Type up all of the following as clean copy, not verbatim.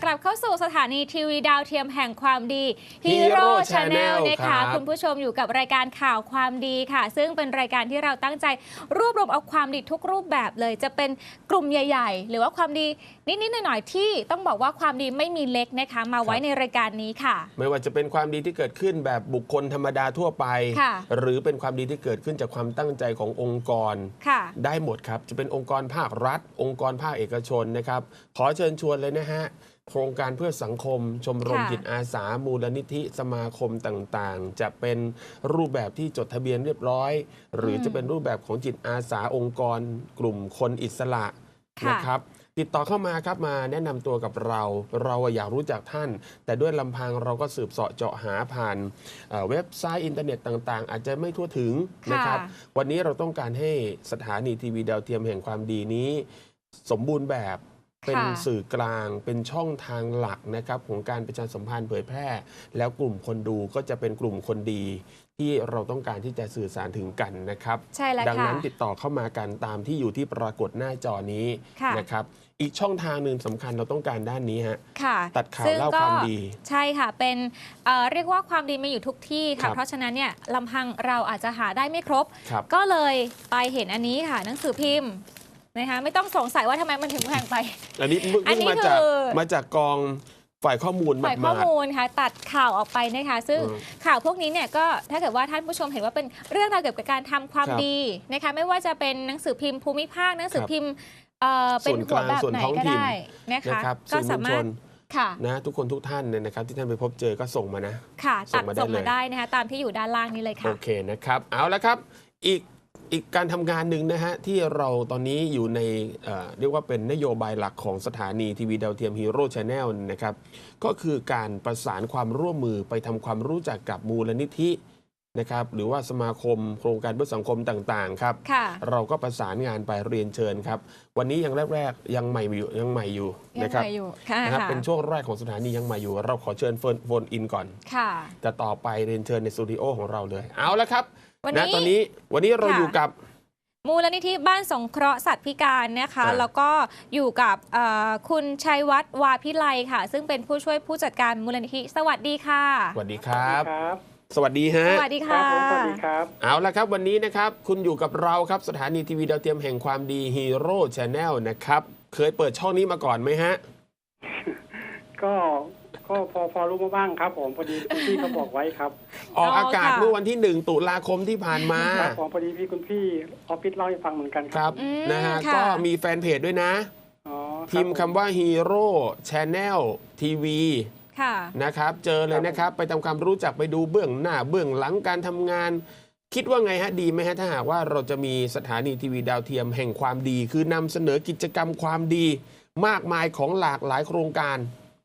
รับเข้าสู่สถานีทีวีดาวเทียมแห่งความดี Hero Channel นะคะคุณผู้ชมอยู่กับรายการข่าวความดีค่ะซึ่งเป็นรายการที่เราตั้งใจรวบรวมเอาความดีทุกรูปแบบเลยจะเป็นกลุ่มใหญ่ๆหรือว่าความดีนิดๆหน่อยๆที่ต้องบอกว่าความดีไม่มีเล็กนะคะมาไว้ในรายการนี้ค่ะไม่ว่าจะเป็นความดีที่เกิดขึ้นแบบบุคคลธรรมดาทั่วไปหรือเป็นความดีที่เกิดขึ้นจากความตั้งใจขององค์กรได้หมดครับจะเป็นองค์กรภาครัฐองค์กรภาคเอกชนนะครับขอเชิญชวนเลยนะฮะโครงการเพื่อสังคมชมรมจิตอาสามูลนิธิสมาคมต่างๆจะเป็นรูปแบบที่จดทะเบียนเรียบร้อยหรือจะเป็นรูปแบบของจิตอาสาองค์กรกลุ่มคนอิสระนะครับติดต่อเข้ามาครับมาแนะนำตัวกับเราอยากรู้จักท่านแต่ด้วยลำพังเราก็สืบเสาะเจาะหาผ่านเว็บไซต์อินเทอร์เน็ตต่างๆอาจจะไม่ทั่วถึงนะครับวันนี้เราต้องการให้สถานีทีวีดาวเทียมแห่งความดีนี้สมบูรณ์แบบเป็นสื่อกลางเป็นช่องทางหลักนะครับของการประชาสัมพันธ์เผยแพร่แล้วกลุ่มคนดูก็จะเป็นกลุ่มคนดีที่เราต้องการที่จะสื่อสารถึงกันนะครับดังนั้นติดต่อเข้ามากันตามที่อยู่ที่ปรากฏหน้าจอนี้นะครับอีกช่องทางหนึ่งสำคัญเราต้องการด้านนี้ฮะตัดข่าวเล่าความดีใช่ค่ะเป็นเรียกว่าความดีมาอยู่ทุกที่ค่ะเพราะฉะนั้นเนี่ยลำพังเราอาจจะหาได้ไม่ครบก็เลยไปเห็นอันนี้ค่ะหนังสือพิมพ์นะคะไม่ต้องสงสัยว่าทำไมมันถึงแพงไปอันนี้มาจากกองฝ่ายข้อมูลค่ะตัดข่าวออกไปนะคะซึ่งข่าวพวกนี้เนี่ยก็ถ้าเกิดว่าท่านผู้ชมเห็นว่าเป็นเรื่องราวเกี่ยวกับการทำความดีนะคะไม่ว่าจะเป็นหนังสือพิมพ์ภูมิภาคหนังสือพิมพ์เป็นหัวแบบไหนก็ได้นะคะก็สามารถนะทุกคนทุกท่านเนี่ยนะครับที่ท่านไปพบเจอก็ส่งมานะค่ะส่งมาได้นะคะตามที่อยู่ด้านล่างนี้เลยค่ะโอเคนะครับเอาละครับอีกการทำงานหนึ่งนะฮะที่เราตอนนี้อยู่ในเรียกว่าเป็นนโยบายหลักของสถานีทีวีดาวเทียม Hero Channel นะครับก็คือการประสานความร่วมมือไปทำความรู้จักกับมูลนิธินะครับหรือว่าสมาคมโครงการเพื่อสังคมต่างๆครับเราก็ประสานงานไปเรียนเชิญครับวันนี้ยังแรกๆยังใหม่อยู่นะครับเป็นช่วงแรกของสถานียังใหม่อยู่เราขอเชิญโฟนอินก่อนจะต่อไปเรียนเชิญในสตูดิโอของเราเลยเอาละครับวันนี้เราอยู่กับมูลนิธิบ้านสงเคราะห์สัตว์พิการนะคะแล้วก็อยู่กับคุณชัยวัฒน์วาพิไลค่ะซึ่งเป็นผู้ช่วยผู้จัดการมูลนิธิสวัสดีค่ะสวัสดีครับสวัสดีฮะสวัสดีค่ะสวัสดีครับเอาละครับวันนี้นะครับคุณอยู่กับเราครับสถานีทีวีดาวเทียมแห่งความดี Hero Channel นะครับเคยเปิดช่องนี้มาก่อนไหมฮะก็พอรู้มาบ้างครับผมพอดีพี่เขาบอกไว้ครับออกอากาศเมื่อวันที่1 ตุลาคมที่ผ่านมาพอดีคุณพี่ออฟฟิศเล่าให้ฟังเหมือนกันครับนะฮะก็มีแฟนเพจด้วยนะพิมพ์คำว่า Hero Channel TVนะครับเจอเลยนะครับไปทำความรู้จักไปดูเบื้องหน้าเบื้องหลังการทำงานคิดว่าไงฮะดีไหมฮะถ้าหากว่าเราจะมีสถานีทีวีดาวเทียมแห่งความดีคือนำเสนอกิจกรรมความดีมากมายของหลากหลายโครงการ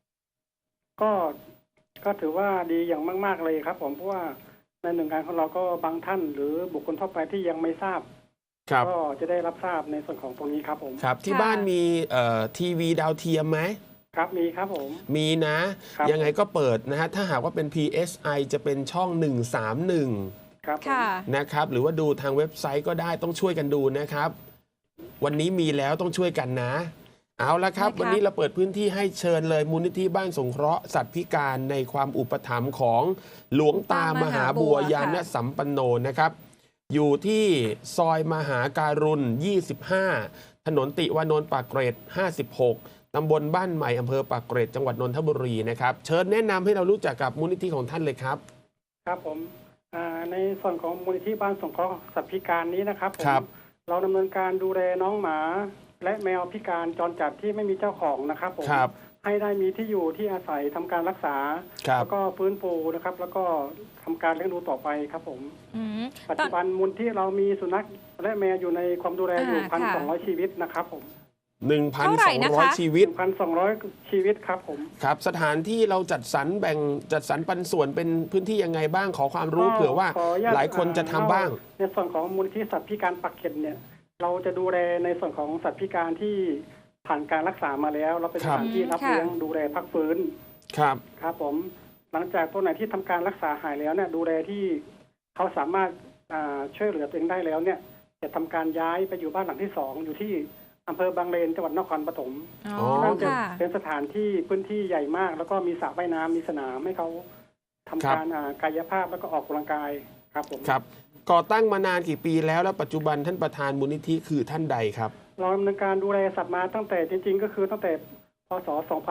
ก็ถือว่าดีอย่างมากๆเลยครับผมเพราะว่าในหน่วยงานของเราก็บางท่านหรือบุคคลทั่วไปที่ยังไม่ทราบก็จะได้รับทราบในส่วนของตรงนี้ครับผมครับที่บ้านมีทีวีดาวเทียมไหมครับมีครับผมมีนะยังไงก็เปิดนะฮะถ้าหากว่าเป็น PSI จะเป็นช่อง131 ครับนะครับหรือว่าดูทางเว็บไซต์ก็ได้ต้องช่วยกันดูนะครับวันนี้มีแล้วต้องช่วยกันนะเอาละครับวันนี้เราเปิดพื้นที่ให้เชิญเลยมูลนิธิบ้านสงเคราะห์สัตว์พิการในความอุปถัมภ์ของหลวงตามหาบัวยานสัมปันโนนะครับอยู่ที่ซอยมหาการุณ25ถนนติวานนท์ปากเกร็ด56ตำบลบ้านใหม่อำเภอปากเกร็ดจังหวัดนนทบุรีนะครับเชิญแนะนำให้เรารู้จักกับมูลนิธิของท่านเลยครับครับผมในส่วนของมูลนิธิบ้านสงเคราะห์สัตว์พิการนี้นะครับเราดำเนินการดูแลน้องหมาและแมวพิการจรจัดที่ไม่มีเจ้าของนะครับผมให้ได้มีที่อยู่ที่อาศัยทำการรักษาแล้วก็ฟื้นฟูนะครับแล้วก็ทำการเลี้ยงดูต่อไปครับผมปัจจุบันมูลที่เรามีสุนัขและแมวอยู่ในความดูแลอยู่ 1,200 ชีวิตนะครับผม 1,200 ชีวิต 1,200 ชีวิตครับผมครับสถานที่เราจัดสรรปันส่วนเป็นพื้นที่ยังไงบ้างขอความรู้เผื่อว่าหลายคนจะทำบ้างในส่วนของมูลที่สัตว์พิการปากเกร็ดเนี่ยเราจะดูแลในส่วนของสัตว์พิการที่ผ่านการรักษามาแล้วเราเป็นสถานที่รับเลี้ยงดูแลพักฟื้นครับผมหลังจากตัวไหนที่ทำการรักษาหายแล้วเนี่ยดูแลที่เขาสามารถช่วยเหลือตัวเองได้แล้วเนี่ยจะทำการย้ายไปอยู่บ้านหลังที่2อยู่ที่อำเภอบางเลนจังหวัดนครปฐมอ๋อนั่นจะค่ะเป็นสถานที่พื้นที่ใหญ่มาก แล้วก็มีสระว่ายน้ำมีสนามให้เขาทำการกายภาพแล้วก็ออกกำลังกายครับผมครับก่อตั้งมานานกี่ปีแล้วและปัจจุบันท่านประธานมูลนิธิคือท่านใดครับเราดำเนินการดูแลสัตว์มาตั้งแต่จริงๆ ก็คือตั้งแต่พศ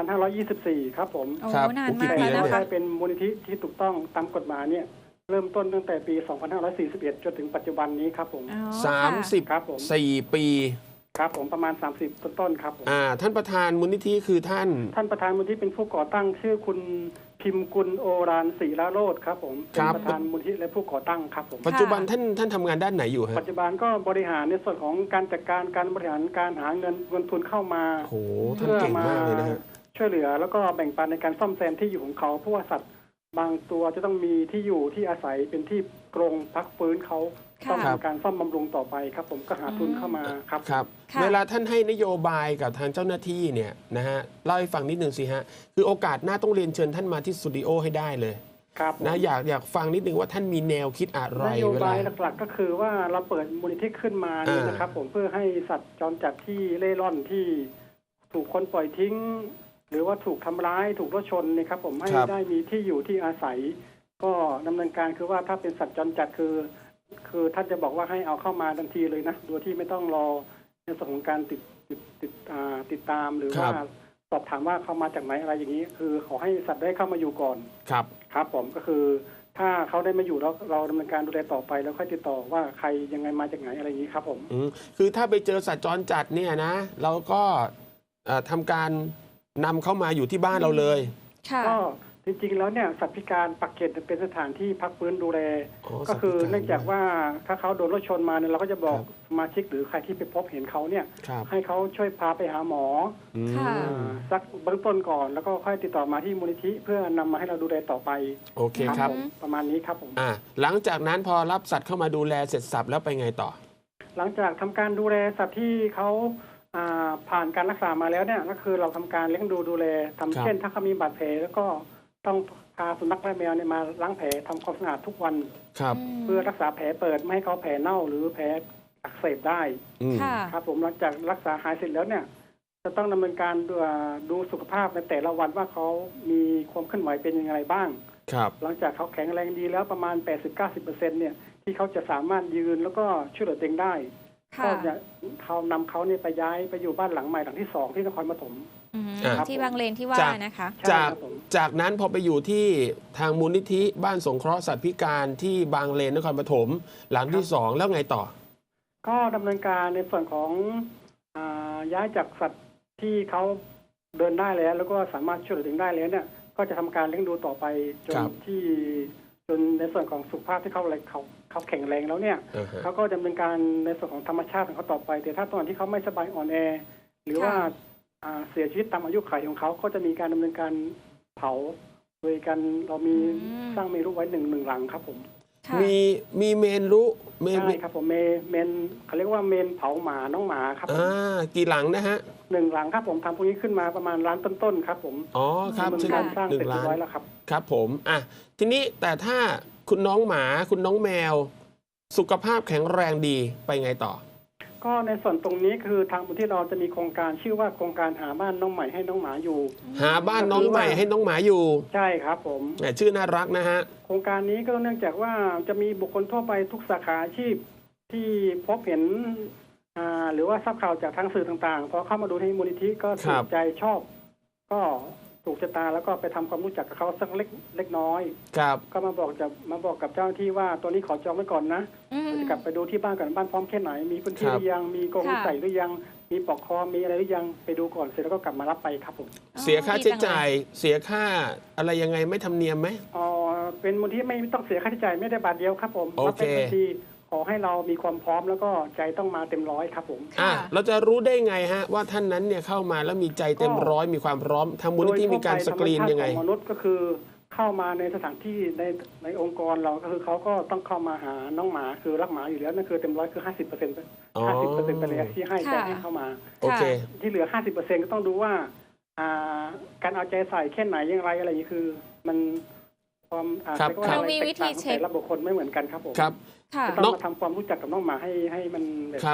2524 ครับผมโอ้ครับนานกี่มากปีแล้วแล้วนะเนี่ยคะได้เป็นมูลนิธิที่ถูกต้องตามกฎหมายเนี่ยเริ่มต้นตั้งแต่ปี 2541 จนถึงปัจจุบันนี้ครับผมอ๋อครับผม 34 ปีครับผมประมาณ 30 ต้นๆครับผมท่านประธานมูลนิธิคือท่านท่านประธานมูลนิธิเป็นผู้ก่อตั้งชื่อคุณพิมพ์กุลโอรานศรีละโรจน์ครับผมเป็นประธานมูลนิธิและผู้ก่อตั้งครับผมปัจจุบันท่านทำงานด้านไหนอยู่ฮะปัจจุบันก็บริหารในส่วนของการจัดการบริหารการหาเงินทุนเข้ามาโอ้โหท่านเก่งมากเลยนะฮะช่วยเหลือแล้วก็แบ่งปันในการซ่อมแซมที่อยู่ของเขาเพราะว่าสัตว์บางตัวจะต้องมีที่อยู่ที่อาศัยเป็นที่กรงพักฟื้นเขาค่ะต้องทำการซ่อมบำรุงต่อไปครับผมก็หาทุนเข้ามาครับครับค่ะเวลาท่านให้นโยบายกับทางเจ้าหน้าที่เนี่ยนะฮะเล่าให้ฟังนิดนึงสิฮะคือโอกาสหน้าต้องเรียนเชิญท่านมาที่สตูดิโอให้ได้เลยครับผมนะอยากฟังนิดนึงว่าท่านมีแนวคิดอะไรนโยเวบาลายหลักๆก็คือว่าเราเปิดมูลนิธิขึ้นมานี่นะครับผมเพื่อให้สัตว์จรจัดที่เล่ร่อนที่ถูกคนปล่อยทิ้ง หรือว่าถูกทำร้ายถูกรถชนเนี่ยครับผมให้ได้มีที่อยู่ที่อาศัย ก็ดำเนินการคือว่าถ้าเป็นสัตว์จรจัดคือท่านจะบอกว่าให้เอาเข้ามาทันทีเลยนะโดยที่ไม่ต้องรอในส่วนของการติดตามหรือว่าสอบถามว่าเขามาจากไหนอะไรอย่างนี้ คือขอให้สัตว์ได้เข้ามาอยู่ก่อนครับครับผมก็คือถ้าเขาได้มาอยู่แล้วเราดำเนินการดูแลต่อไปแล้วค่อยติดต่อว่าใครยังไงมาจากไหนอะไรอย่างนี้ครับผมคือถ้าไปเจอสัตว์จรจัดเนี่ยนะเราก็ทำการนำเข้ามาอยู่ที่บ้านเราเลยค่ะก็จริงๆแล้วเนี่ยสัตว์พิการปักเกร็ดเป็นสถานที่พักฟื้นดูแลอ๋อก็คือสัตว์พิการเนื่องจากว่าถ้าเขาโดนรถชนมาเนี่ยเราก็จะบอกครับสมาชิกหรือใครที่ไปพบเห็นเขาเนี่ยครับให้เขาช่วยพาไปหาหมอค่ะสักเบื้องต้นก่อน แล้วก็ค่อยติดต่อมาที่มูลนิธิเพื่อนำมาให้เราดูแลต่อไปโอเคครับผมประมาณนี้ครับผมหลังจากนั้นพอรับสัตว์เข้ามาดูแลเสร็จสับแล้วไปไงต่อหลังจากทำการดูแลสัตว์ที่เขาผ่านการรักษามาแล้วเนี่ยก็คือเราทำการเลี้ยงดูแลทำครับเช่นถ้าเขามีบาดแผลแล้วก็ต้องพาสุนัขและแมวเนี่ยมาล้างแผลทำความสะอาดทุกวันครับเพื่อรักษาแผลเปิดไม่ให้เขาแผลเน่าหรือแผลอักเสบได้ค่ะครับผมหลังจากรักษาหายเสร็จแล้วเนี่ยจะต้องดำเนินการดูสุขภาพในแต่ละวันว่าเขามีความเคลื่อนไหวเป็นยังไงบ้างครับหลังจากเขาแข็งแรงดีแล้วประมาณ 80-90%เนี่ยที่เขาจะสามารถยืนแล้วก็ช่วยเหลือตัวเองได้ค่ะก็จะเขานำเขาเนี่ยไปย้ายไปอยู่บ้านหลังใหม่หลังที่ 2 ที่นครปฐมอืมครับที่บางเลนที่ว่าจากนะคะใช่จากครับผมจากนั้นพอไปอยู่ที่ทางมูลนิธิบ้านสงเคราะห์สัตว์พิการที่บางเลนนครปฐมหลังที่2แล้วไงต่อก็ดำเนินการในส่วนของย้ายจากสัตว์ที่เขาเดินได้แล้วก็สามารถช่วยเหลือตัวเองได้แล้วเนี่ยก็จะทำการเลี้ยงดูต่อไปจนครับจนในส่วนของสุขภาพที่เขาแข็งแรงแล้วเนี่ยอ่าฮะเขาก็ดำเนินการในส่วนของธรรมชาติของเขาต่อไป แต่ถ้าตอนที่เขาไม่สบายอ่อนแอ หรือว่าค่ะเสียชีวิตตามอายุขัยของเขาก็จะมีการดำเนินการเผาโดยการเรามีสร้างเมรุไว้หนึ่งหลังครับผมค่ะมีเมนรู้เมนใช่ครับผมเมนเขาเรียกว่าเมนเผาหมาน้องหมาครับผมกี่หลังนะฮะ 1 หลังครับผมทำพวกนี้ขึ้นมาประมาณล้านต้นๆครับผมอ๋อครับดำเนินซึ่งการสร้างหเสนึ่ร็จงเรียล้าบร้อยนแล้วครับครับผมทีนี้แต่ถ้าคุณน้องหมาคุณน้องแมว สุขภาพแข็งแรงดีไปไงต่อก็ในส่วนตรงนี้คือทางมูลที่เราจะมีโครงการชื่อว่าโครงการหาบ้านน้องใหม่ให้น้องหมาอยู่หาบ้านน้องใหม่ให้น้องหมาอยู่ใช่ครับผมแหมชื่อน่ารักนะฮะโครงการนี้ก็เนื่องจากว่าจะมีบุคคลทั่วไปทุกสาขาอาชีพที่พบเห็นหรือว่าทราบข่าวจากทางสื่อต่างๆพอเข้ามาดูที่มูลนิธิก็ครัถูบกใจชอบ ก็ถูกชะตาแล้วก็ไปทำความรู้จักกับเขาสักเล็กน้อยครับก็มาบอกกับเจ้าหน้าที่ว่าตัวนี้ขอจองไว้ก่อนนะอืมจะกลับไปดูที่บ้านก่อนบ้านพร้อมแค่ไหนมีพื้นที่ครับหรือยังมีกรงค่ะใส่หรือยังมีปลอกคอมีอะไรหรือยังไปดูก่อนเสร็จแล้วก็กลับมารับไปครับผมเสียค่าใช้จ่ายเสียค่าอะไรยังไงไม่ทำเนียมไหมอ๋อเป็นมูลที่ไม่ต้องเสียค่าใช้จ่ายไม่ได้บาทเดียวครับผมโอเครับเป็นบัญชีขอให้เรามีความพร้อมแล้วก็ใจต้องมาเต็มร้อยครับผมค่ะเราจะรู้ได้ไงฮะว่าท่านนั้นเนี่ยเข้ามาแล้วมีใจเต็มร้อยมีความพร้อมทางมูลนิธิมีการสกรีนยังไงโดทั่วไปธรรมชาติของมนุษย์ก็คือเข้ามาในสถานที่ในองค์กรเราก็คือเขาก็ต้องเข้ามาหาน้องหมาคือรักหมาอยู่แล้วนั่นคือเต็มร้อยคือ50% อ๋อ 50%ไปเลยที่ให้ใจให้เข้ามาโอเคที่เหลือ 50%ก็ต้องดูว่าการเอาใจใส่แค่ไหนอย่างไรอะไรอย่างนี้คือมันความครับเรียกว่าเราอะไรมีวิธีเช็คแต่ละบุคคลไม่เหมือนกันครับผมครับค่ะจะต้องมาทำความรู้จักกับน้องหมาให้มันแบบครับ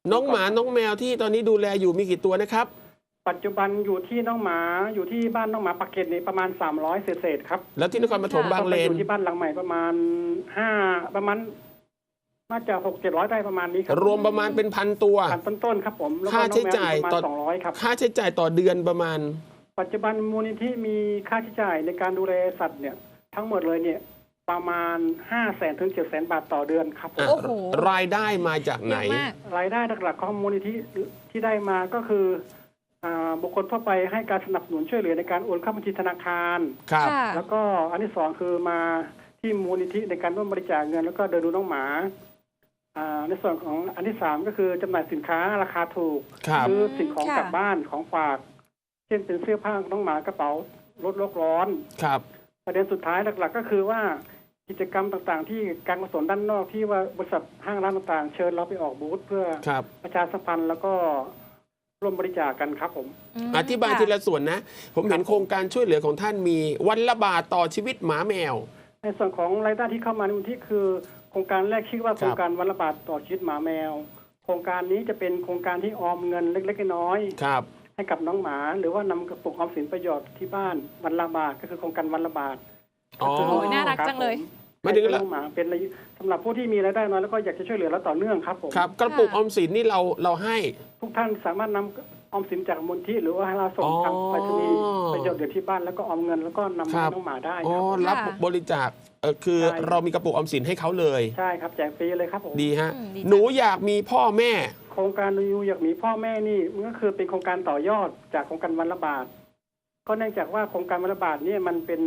น้องหมาน้องแมวที่ตอนนี้ดูแลอยู่มีกี่ตัวนะครับปัจจุบันอยู่ที่น้องหมาอยู่ที่บ้านน้องหมาปากเกร็ดนี่ประมาณ300เศษๆครับแล้วที่นครปฐมบางเลอน ยู่ที่บ้านหลังใหม่ประมาณประมาณน่าจะ600-700ได้ประมาณนี้ครับรวมประมาณเป็นพันตัวพันต้นๆครับผมแล้วก็ค่าใช้จ่ายน้องแมวประมาณ200ครับค่าใช้จ่ายต่อเดือนประมาณปัจจุบันมูลนิธิมีค่าใช้จ่ายในการดูแลสัตว์เนี่ยทั้งหมดเลยเนี่ยประมาณ 500,000 ถึง 700,000 บาทต่อเดือนครับผมโอ้โหรายได้มาจากไหนเยอะมากรายได้หลักๆของมูลนิธิที่ได้มาก็คือบุคคลทั่วไปให้การสนับสนุนช่วยเหลือในการโอนเข้าบัญชีธนาคารครับค่ะแล้วก็อันที่สองคือมาที่มูลนิธิในการร่วมบริจาคเงินแล้วก็เดินดูน้องหมาในส่วนของอันที่สามก็คือจำหน่ายสินค้าราคาถูกครับซื้อสิ่งของค่ะกลับบ้านของฝาก เช่นเป็นเสื้อผ้าของน้องหมากระเป๋าลดโลกร้อนครับประเด็นสุดท้ายหลักๆก็คือว่ากิจกรรมต่างๆ ที่การกุศลด้านนอกที่ว่าบริษัทห้างร้านต่างๆ เชิญเราไปออกบูธเพื่อครับประชาสัมพันธ์แล้วก็ร่วมบริจาคกันครับผมอธิบายทีละส่วนนะ ผมเห็นโครงการช่วยเหลือของท่านมีวันละบาทต่อชีวิตหมาแมวในส่วนของรายได้ที่เข้ามาในมูลที่คือโครงการแรกชื่อว่าโครงการวันละบาทต่อชีวิตหมาแมว โครงการนี้จะเป็นโครงการที่ออมเงินเล็กๆน้อยครับๆให้กับน้องหมา หรือว่านำกระปุกออมสินประโยชน์ที่บ้านวันละบาทก็คือโครงการวันละบาทอ๋อก็คืโอ้ยน่ารักจังเลยไม่ถึงให้น้องหมาเป็นสำหรับผู้ที่มีรายได้น้อยแล้วก็อยากจะช่วยเหลือและต่อเนื่องครับผมครับกระปุกออมสินนี่เราให้ทุกท่านสามารถนำออมสินจากมูลที่หรือว่าให้เราส่งทางไปรษณีย์ประโยชน์เดี๋ยวที่บ้านแล้วก็ออมเงินแล้วก็นำครัให้บน้องหมาได้อ๋อครับรับค่ะบริจาคคือใช่เรามีกระปุกออมสินให้เขาเลยใช่ครับแจกฟรีเลยครับผมดีฮะดีจังหนูอยากมีพ่อแม่โครงการนูอยากมีพ่อแม่นี่มันก็คือเป็นโครงการต่อยอดจากโครงการวันละบาท ก็เนื่องจากว่าโครงการวันละบาทเนี่ยมันเป็น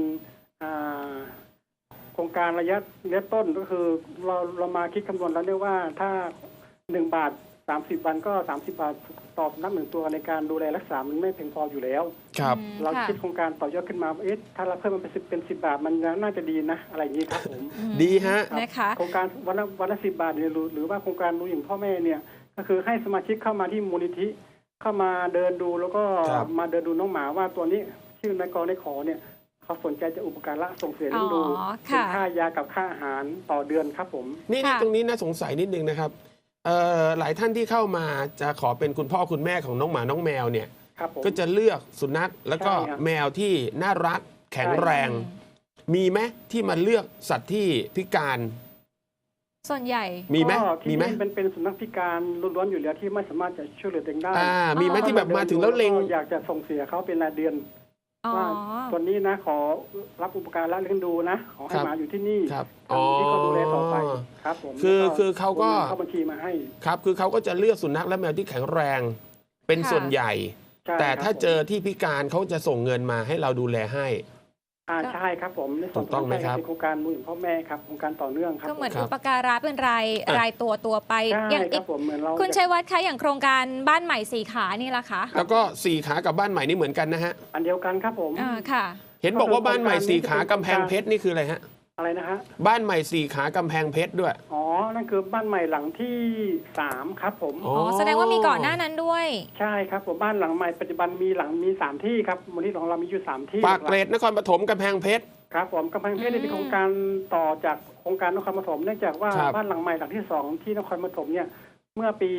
โครงการระยะต้นก็คือเรามาคิดคำนวณแล้วเนี่ยว่าถ้า1 บาท 30 วันก็30 บาทต่อสุนัข1 ตัวในการดูแลรักษามันไม่เพียงพออยู่แล้วครับเราค่ะคิดโครงการต่อยอดขึ้นมาถ้าเราเพิ่มมันเป็น10 บาทมันน่าจะดีนะอะไรอย่างนี้ครับผมดีฮะครับนะคะโครงการวันละ10 บาทเนี่ยหรือว่าโครงการดูอย่างพ่อแม่เนี่ยก็คือให้สมาชิกเข้ามาที่มูลนิธิเข้ามาเดินดูแล้วก็ครับมาเดินดูน้องหมาว่าตัวนี้ชื่อนายกในขอเนี่ยเขาสนใจจะอุปการะส่งเสียเลี้ยงดูอ๋อเป็นค่ะค่ายากับค่าอาหารต่อเดือนครับผมนี่ค่ะตรงนี้น่าสงสัยนิดนึงนะครับหลายท่านที่เข้ามาจะขอเป็นคุณพ่อคุณแม่ของน้องหมาน้องแมวเนี่ยครับผมก็จะเลือกสุนัขแล้วก็ใช่ครับแมวที่น่ารักแข็งแรง มีไหมที่มาเลือกสัตว์ที่พิการส่วนใหญ่มีไหมก็มีที่ไหมนี่เป็นสุนัขพิการล้วนๆอยู่แล้วที่ไม่สามารถจะช่วยเหลือตัวเองได้มีไหมที่แบบมาถึงแล้วเล็งอยากจะส่งเสียเขาเป็นรายเดือนอ๋อว่าตัวนี้นะขอรับอุปการะเลี้ยงดูนะขอให้ครับหมาอยู่ที่นี่ครับทางที่เขาดูแลต่อไปครับผมคือแล้วคือเขาก็โอนงินเข้าบัญชีมาให้ครับคือเขาก็จะเลือกสุนัขและแมวที่แข็งแรง เป็นค่ะส่วนใหญ่ใช่แต่ครับถ้าเจอผมที่พิการเขาจะส่งเงินมาให้เราดูแลให้ใช่ครับผมในส่วนถูกต้องไหมครับเป็นโครงการมูลพ่อแม่ครับโครงการต่อเนื่องครับก็เหมือนครัอุบปการะเป็นรายตัวไปใช่อย่างคอีรักบผมเหมือนเราคุณชัยวัฒน์คะอย่างโครงการบ้านใหม่สี่ขานี่ล่ะคะแล้วก็สี่ขากับบ้านใหม่นี่เหมือนกันนะฮะอันเดียวกันครับผมค่ะเห็นบอกว่าบ้านใหม่สี่ขากำแพงเพชรนี่คืออะไรฮะอะไรนะฮะบ้านใหม่สี่ขากำแพงเพชรด้วยอ๋อนั่นคือบ้านใหม่หลังที่3ครับผมอ๋ออ๋อ แสดงว่ามีก่อนหน้านั้นด้วยใช่ครับผมบ้านหลังใหม่ปัจจุบันมี3ที่ครับมูลนิธิของเรามีอยู่3ที่ปากเกร็ดนครปฐมกำแพงเพชรครับผมกำแพงเพชรเนี่ยเป็นโครงการต่อจากโครงการนครปฐมเนื่องจากว่าครับบ้านหลังใหม่หลังที่2ที่นครปฐมเนี่ยเมื่อปี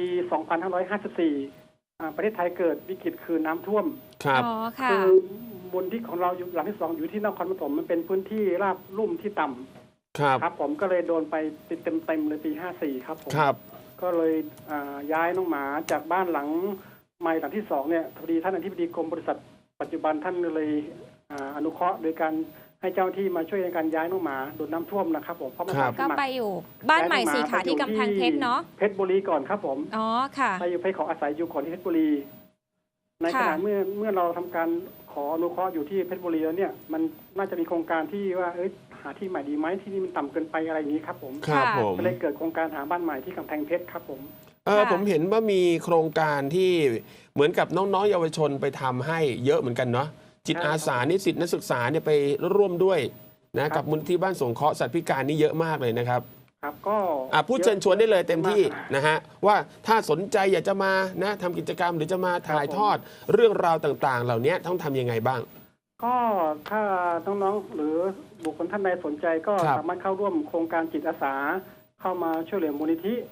2554 ประเทศไทยเกิดวิกฤตคือน้ำท่วมครับอ๋อ ค่ะคือมูลที่ของเราอยู่หลังที่2อยู่ที่นครปฐมมันเป็นพื้นที่ราบลุ่มที่ต่ำครับครับผมก็เลยโดนไปเต็มเลยปี 54 ครับผมครับก็เลยย้ายน้องหมาจากบ้านหลังใหม่หลังที่2เนี่ยพอดีท่านอธิบดีกรมบริษัทปัจจุบันท่านเลยอนุเคราะห์โดยการให้เจ้าหน้าที่มาช่วยในการย้ายน้องหมาโดนน้ำท่วมนะครับผมเพราะมันครับสก็มัครไปอยู่บ้านใหม่สี่ขาที่กำแพงเพชรเนาะเพชรบุรีก่อนครับผมอ๋อ ค่ะไปอยู่เพชรขออาศัยอยู่ก่อนที่เพชรบุรี ในขณะค่ะเมื่อเราทำการขออนุเคราะห์อยู่ที่เพชรบุรีแล้วเนี่ยมันน่าจะมีโครงการที่ว่าหาที่ใหม่ดีไหมที่นี่มันต่ำเกินไปอะไรอย่างนี้ครับผมครับค่ะผมก็เลยเกิดโครงการหาบ้านใหม่ที่กำแพงเพชรครับผมค่ะผมเห็นว่ามีโครงการที่เหมือนกับน้องๆเยาวชนไปทำให้เยอะเหมือนกันเนาะจิตอาสานิสิตนักศึกษาเนี่ยไปร่วมด้วยนะกับมูลที่บ้านสงเคราะห์สัตว์พิการนี่เยอะมากเลยนะครับครับก็พูดเชิญชวนได้เลยเต็มที่ยอะากนะฮะว่าถ้าสนใจอยากจะมานะทำกิจกรรมหรือจะมาถ่ายทอดเรื่องราวต่างๆ เหล่านี้ต้องทำยังไงบ้างก็ถ้าน้องๆหรือบุคคลท่านใดสนใจก็ครับสามารถเข้าร่วมโครงการจิตอาสาเข้ามาช่วยเหลือมูลนิธิ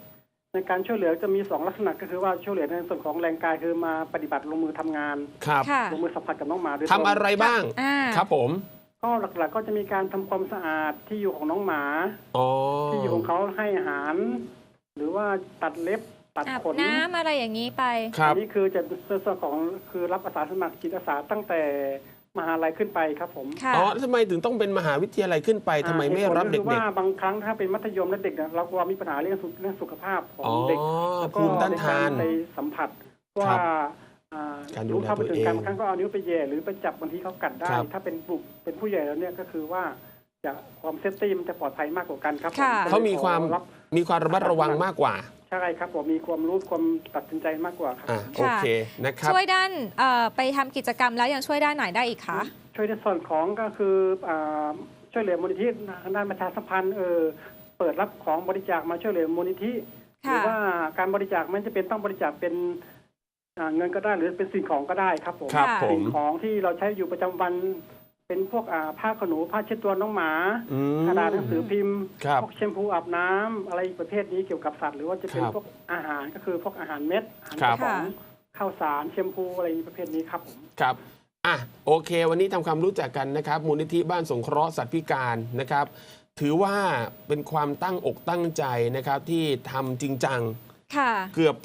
ในการช่วยเหลือจะมี2ลักษณะก็คือว่าช่วยเหลือในส่วนของแรงกายคือมาปฏิบัติลงมือทำงานครับค่ะลงมือสัมผัสกับน้องหมาโดยตรงทำอะไรบ้างอ่าครับผมก็หลักๆก็จะมีการทำความสะอาดที่อยู่ของน้องหมาอ๋อที่อยู่ของเขาให้อาหาร หรือว่าตัดเล็บตัดอาบขนน้ำอะไรอย่างนี้ไปครับอันนี้คือจะส่วนของคือรับอาสาสมัครจิตอาสาตั้งแต่มหาลัยขึ้นไปครับผมค่ะอ๋อทำไมถึงต้องเป็นมหาวิทยาลัยขึ้นไปทำไมไม่รับเด็คือก ว่าบางครั้งถ้าเป็นมัธยมและเด็กเนี่ยเรากลัวมีปัญหาเรื่องสุขภาพขๆองอ๋อเด็กแล้วก็ภูมิต้านทานในกรไปสัมผัสครัว่าบอ่าการดูรู้แลเท่าไม่ถึงตัวเองการบางครั้งก็เอานิ้วไปแย่หรือไปจับบางทีเขากัดได้ครับถ้าเป็นเป็นผู้ใหญ่แล้วเนี่ยก็คือว่าจะความเซฟตี้มันจะปลอดภัยมากกว่ากันครับค่ะผเขามีความขอรับมีความระมัดระวังมากกว่าใช่ครับผมมีความรู้ความตัดสินใจมากกว่าครับอ่ะโอเคนะครับช่วยด้านไปทำกิจกรรมแล้วยังช่วยด้านไหนได้อีกคะช่วยในส่วนของก็คือช่วยเหลือมูลนิธิทางด้านประชาสัมพันธ์เปิดรับของบริจาคมาช่วยเหลือมูลนิธิหค่ะรือว่าการบริจาคไม่จะเป็นต้องบริจาคเป็นเงินก็ได้หรือเป็นสิ่งของก็ได้ครับผมครับผมสิ่งของที่เราใช้อยู่ประจำวันเป็นพวกผ้าขนหนูผ้าเช็ดตัวน้องหมาอืมกระดาษหนังสือพิมพ์ครับพวกแชมพูอาบน้ำอะไรประเภทนี้เกี่ยวกับสัตว์หรือว่าจะเป็นครับพวกอาหารก็คือพวกอาหารเม็ดอาหารครักบระป๋องข้าวสารแชมพูอะไรประเภทนี้ครับผมครับอ่ะโอเค วันนี้ทำความรู้จักกันนะครับ มูลนิธิบ้านสงเคราะห์สัตว์พิการนะครับ ถือว่าเป็นความตั้งอกตั้งใจนะครับที่ทำจริงจังค่ะเกือบ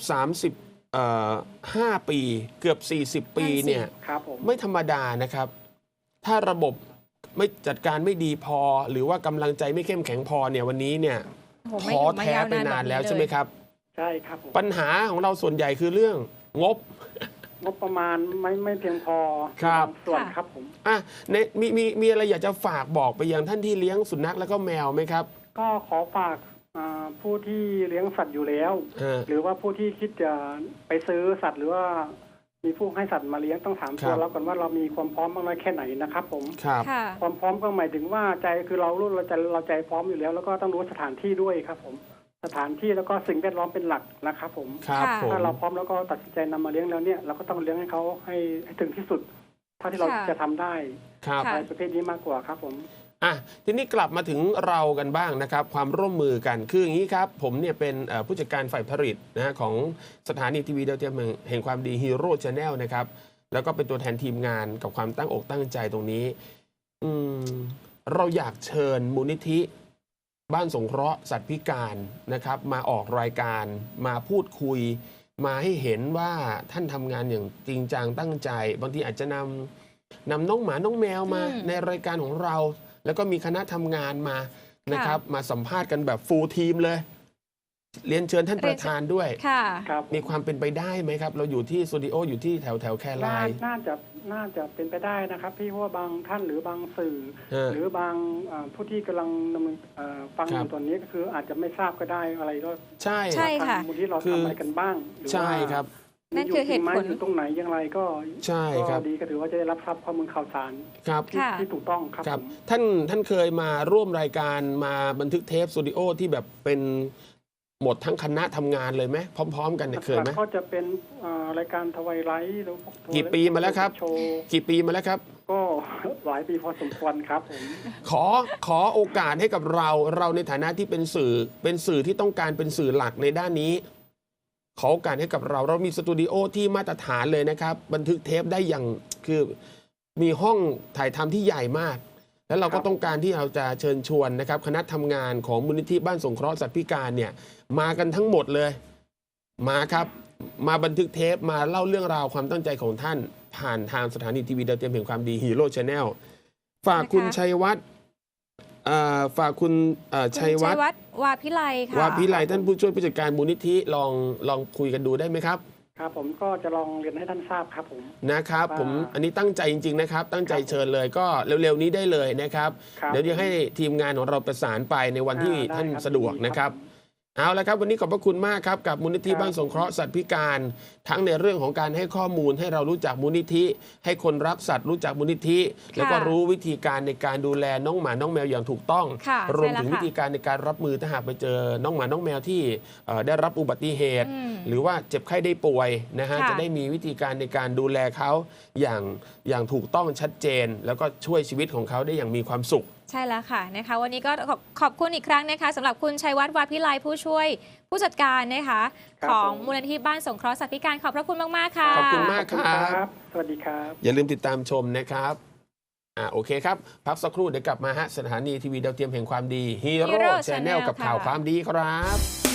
5 ปี เกือบ 40 ปีนั่นสิเนี่ยครับผมไม่ธรรมดานะครับ ถ้าระบบไม่จัดการไม่ดีพอ หรือว่ากำลังใจไม่เข้มแข็งพอเนี่ยวันนี้เนี่ยโอ้โหไม่ท้ออยู่มาแท้ยาวไปนานนานแบบนี้แล้วเลยใช่ไหมครับใช่ครับผมปัญหาของเราส่วนใหญ่คือเรื่องงบงบประมาณไม่เพียงพอครับางส่วนครับผมอ่ะมีอะไรอยากจะฝากบอกไปยังท่านที่เลี้ยงสุนัขแล้วก็แมวไหมครับก็ขอฝากผู้ที่เลี้ยงสัตว์อยู่แล้วฮะหรือว่าผู้ที่คิดจะไปซื้อสัตว์หรือว่ามีผู้ให้สัตว์มาเลี้ยงต้องถามครัตัวบเราก่อนว่าเรามีความพร้อมมากน้อยแค่ไหนนะครับผมครับค่ะความพร้อมก็หมายถึงว่าใจคือเราใจพร้อมอยู่แล้ว แล้วก็ต้องรู้สถานที่ด้วยครับผมสถานที่แล้วก็สิ่งแวดล้อมเป็นหลักนะครับผมครับค่ะผมถ้าเราพร้อมแล้วก็ตัดสินใจนำมาเลี้ยงแล้วเนี่ยเราก็ต้องเลี้ยงให้เขาให้ถึงที่สุดเท่าที่เราค่ะจะทำได้ครับค่ะในประเภทนี้มากกว่าครับผมอ่ะทีนี้กลับมาถึงเรากันบ้างนะครับ ความร่วมมือกันคืออย่างนี้ครับ ผมเนี่ยเป็นผู้จัดการฝ่ายผลิตนะฮะของสถานีทีวีดาวเทียมแห่งความดีฮีโร่ชาแนลนะครับแล้วก็เป็นตัวแทนทีมงานกับความตั้งอกตั้งใจตรงนี้เราอยากเชิญมูลนิธิบ้านสงเคราะห์สัตว์พิการนะครับมาออกรายการมาพูดคุย มาให้เห็นว่าท่านทำงานอย่างจริงจังตั้งใจ บางทีอาจจะนำน้องหมาน้องแมวมาอืมในรายการของเรา แล้วก็มีคณะทำงานมานะครับ มาสัมภาษณ์กันแบบฟูลทีมเลย เรียนเชิญท่านประธานด้วยค่ะครับมีความเป็นไปได้ไหมครับ เราอยู่ที่สตูดิโออยู่ที่แถวแครายน่าจะเป็นไปได้นะครับพี่เพราะว่าบางท่านหรือบางสื่อฮะหรือบางผู้ที่กำลังดำเนินฟังอครับยู่ตอนนี้ก็คืออาจจะไม่ทราบก็ได้อะไรก็ใช่ใช่ ค่ะทางมูลที่เราคือทำอะไรกันบ้างหรือว่าใช่ครับนั่นคือเหตุผลอยู่ตรงไหนอย่างไรก็ใช่ครับก็ดีก็ถือว่าจะได้รับทราบข้อมูลข่าวสารครับค่ะที่ถูกต้องครับครับผมท่านเคยมาร่วมรายการมาบันทึกเทปสตูดิโอที่แบบเป็นหมดทั้งคณะทำงานเลยไหมพร้อม ๆ กันเนี่ยเคยไหมก็จะเป็นรายการทวายไลท์หรือพวกี่ปีมาแล้วครับโชว์กี่ปีมาแล้วครับก็ หลายปีพอสมควรครับผมขอโอกาสให้กับเราในฐานะที่เป็นสื่อที่ต้องการเป็นสื่อหลักในด้านนี้ ขอโอกาสให้กับเรามีสตูดิโอที่มาตรฐานเลยนะครับ บันทึกเทปได้อย่างคือมีห้องถ่ายทำที่ใหญ่มาก แล้วเราก็ต้องการที่เราจะเชิญชวนนะครับ คณะทำงานของมูลนิธิบ้านสงเคราะห์สัตว์พิการเนี่ยมากันทั้งหมดเลยมาครับมาบันทึกเทปมาเล่าเรื่องราวความตั้งใจของท่านผ่านทางสถานีทีวีดาวเทียมแห่งความดีฮีโร่ชาแนลฝากคุณนะคะชัยวัฒน์ฝากคุณชัยวัฒน์วาพิไลค่ะว่าพิไลท่านผู้ช่วยผู้จัดการมูลนิธิลองคุยกันดูได้ไหมครับครับผมก็จะลองเรียนให้ท่านทราบครับผมนะครับว่าผมอันนี้ตั้งใจจริงๆนะครับ ตั้งใจเชิญเลยก็เร็วๆนี้ได้เลยนะครับครับเดี๋ยวจะให้ทีมงานของเราประสานไปในวันที่ได้ท่านครับสะดวกยินดีนะครับผมเอาละครับวันนี้ขอบพระคุณมากครับกับมูลนิธิครับบ้านสงเคราะห์สัตว์พิการ ทั้งในเรื่องของการให้ข้อมูลให้เรารู้จักมูลนิธิ ให้คนรักสัตว์รู้จักมูลนิธิ แล้วก็รู้วิธีการในการดูแลน้องหมาน้องแมวอย่างถูกต้องค่ะรวมใช่แล้วถึงค่ะวิธีการในการรับมือถ้าหากไปเจอน้องหมาน้องแมวที่ได้รับอุบัติเหตุอืมหรือว่าเจ็บไข้ได้ป่วยนะฮะค่ะจะได้มีวิธีการในการดูแลเขาอย่างถูกต้องชัดเจน แล้วก็ช่วยชีวิตของเขาได้อย่างมีความสุขใช่แล้วค่ะนะคะวันนี้ก็ขอบคุณอีกครั้งนะคะสำหรับคุณชัยวัฒน์วาพิไลผู้ช่วยผู้จัดการนะคะของมูลนิธิบ้านสงเคราะห์สัตว์พิการขอบพระคุณมากๆค่ะขอบคุณมากครับสวัสดีครับอย่าลืมติดตามชมนะครับโอเคครับพักสักครู่เดี๋ยวกลับมาฮะสถานีทีวีดาวเทียมแห่งความดีฮีโร่ Hero ชาแนล Channel กับข่าวค่ะความดีครับ